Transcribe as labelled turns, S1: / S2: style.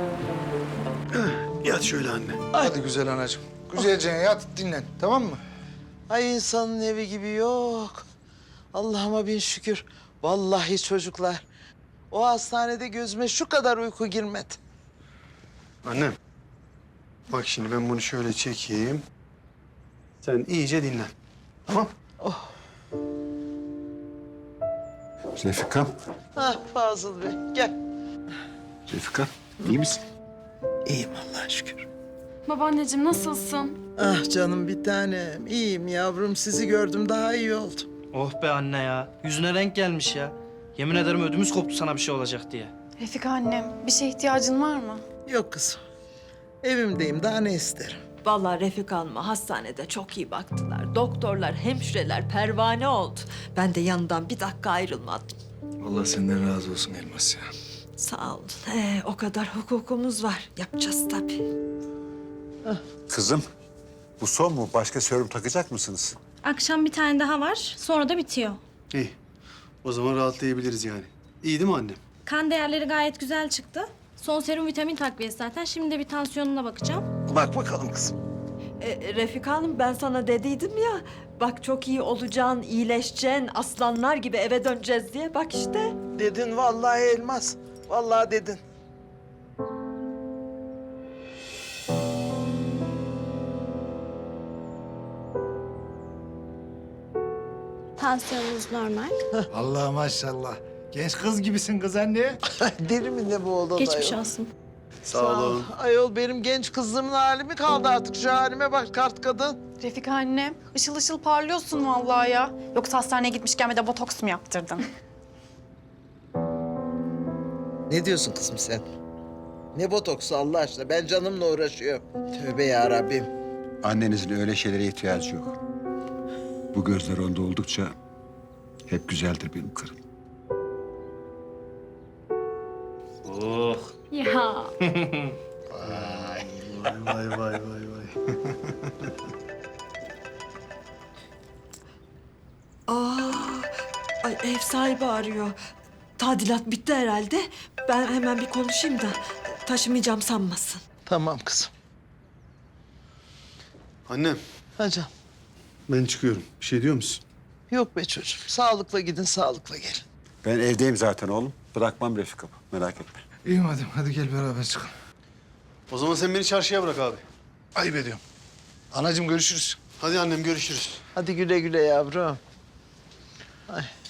S1: Yat şöyle anne.
S2: Hadi güzel anacığım. Güzelce yat, dinlen. Tamam mı?
S3: Ay insanın evi gibi yok. Allah'ıma bin şükür. Vallahi çocuklar. O hastanede gözüme şu kadar uyku girmedi.
S1: Annem. Bak şimdi ben bunu şöyle çekeyim. Sen iyice dinlen. Tamam?
S4: Refika,
S3: Ah Fazıl Bey gel.
S4: Refika iyi misin?
S3: İyiyim Allah'a şükür.
S5: Babaanneciğim nasılsın?
S3: Ah canım bir tanem. İyiyim yavrum. Sizi gördüm daha iyi oldum.
S6: Oh be anne ya. Yüzüne renk gelmiş ya. Yemin ederim ödümüz koptu sana bir şey olacak diye.
S5: Refika annem, bir şeye ihtiyacın var mı?
S3: Yok kızım. Evimdeyim daha ne isterim?
S7: Vallahi Refika Hanım'a hastanede çok iyi baktılar. Doktorlar, hemşireler pervane oldu. Ben de yanından bir dakika ayrılmadım.
S2: Allah senden razı olsun Elmas ya.
S7: Sağ olun. O kadar hukukumuz var. Yapacağız tabii.
S4: Kızım, bu son mu? Başka serum takacak mısınız?
S8: Akşam bir tane daha var, sonra da bitiyor.
S1: İyi. O zaman rahatlayabiliriz yani. İyi değil mi annem?
S8: Kan değerleri gayet güzel çıktı. Son serum vitamin takviyesi zaten. Şimdi de bir tansiyonuna bakacağım.
S3: Bak bakalım kızım.
S7: Refika Hanım ben sana dediydim ya. Bak çok iyi olacaksın, iyileşeceksin, aslanlar gibi eve döneceğiz diye. Bak işte.
S3: Dedin vallahi Elmas. Vallahi dedin.
S8: Tansiyonunuz normal.
S2: Allah maşallah. Genç kız gibisin kız anne.
S3: Deli mi ne bu oğlan
S8: Geçmiş
S3: ayol?
S8: olsun.
S1: Sağ olun.
S3: Ayol benim genç kızlığımın hali mi kaldı artık? Şu halime bak kart kadın.
S5: Refika annem, ışıl ışıl parlıyorsun vallahi ya. Yoksa hastaneye gitmişken bir de botoks mu yaptırdın?
S3: Ne diyorsun kızım sen? Ne botoksu Allah aşkına? Ben canımla uğraşıyorum. Tövbe ya Rabbim.
S4: Annenizin öyle şeylere ihtiyacı yok. Bu gözler onda oldukça hep güzeldir benim karım.
S6: Oh.
S8: Ya.
S1: Vay vay vay vay.
S7: Ay ev sahibi arıyor. Tadilat bitti herhalde. Ben hemen bir konuşayım da taşımayacağım sanmasın.
S3: Tamam kızım.
S1: Annem
S3: Hocam.
S1: ben çıkıyorum. Bir şey diyor musun?
S3: Yok be çocuğum. Sağlıkla gidin, sağlıkla gelin.
S4: Ben evdeyim zaten oğlum. Bırakmam Refika'mı, merak etme.
S2: İyi madem, hadi gel beraber çıkalım.
S1: O zaman sen beni çarşıya bırak abi.
S2: Ayıp ediyorum. Anacığım görüşürüz.
S1: Hadi annem görüşürüz.
S3: Hadi güle güle yavrum. Ay.